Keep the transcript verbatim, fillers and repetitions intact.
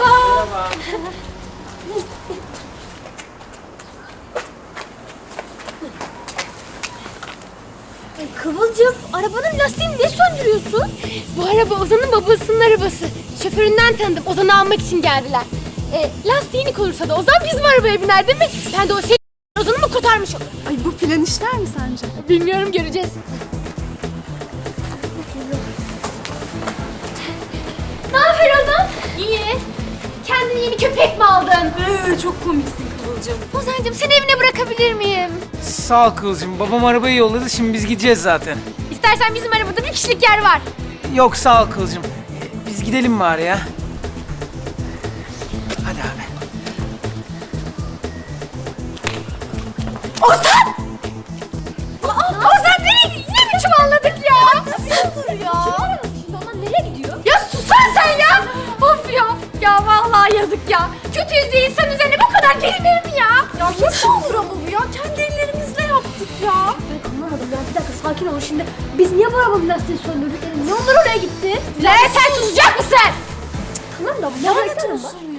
Merhaba. Kıvılcım, arabanın lastiğini niye söndürüyorsun? Bu araba Ozan'ın babasının arabası. Şoföründen tanıdım. Ozan'ı almak için geldiler. E, lastiğini olursa da Ozan bizim arabaya biner değil mi? Ben de o şey Ozan'ı mı kurtarmış olurum? Ay bu plan işler mi sence? Bilmiyorum, göreceğiz. Ne haber Ozan? İyi. Kendine yeni köpek mi aldın? Ee, çok komiksin Kıvılcım. Ozan'cığım seni evine bırakabilir miyim? Sağ ol Kıvılcım. Babam arabayı yolladı. Şimdi biz gideceğiz zaten. İstersen bizim arabada bir kişilik yer var. Yok sağ ol Kıvılcım. Ee, Biz gidelim bari ya. Hadi abi. Ozan! Aa, Ozan nereye gidiyor? Yine mi çuvalladık ya? Nasıl olur ya? Ozan nereye gidiyor? Ya susana sen ya! Of ya! Ya vallahi yazık ya. Kötü yüzlü insan üzerine bu kadar gelinir mi ya? Ya nasıl olur ama bu ya? Kendi ellerimizle yaptık ya. Ben anlamadım ya. Bir dakika sakin ol şimdi. Biz niye bu arabanın lastiğini söndürdük? Yani niye onlar oraya gitti? Lan sen susacak mısın? Tamam da bu Lanet gerçekten olsun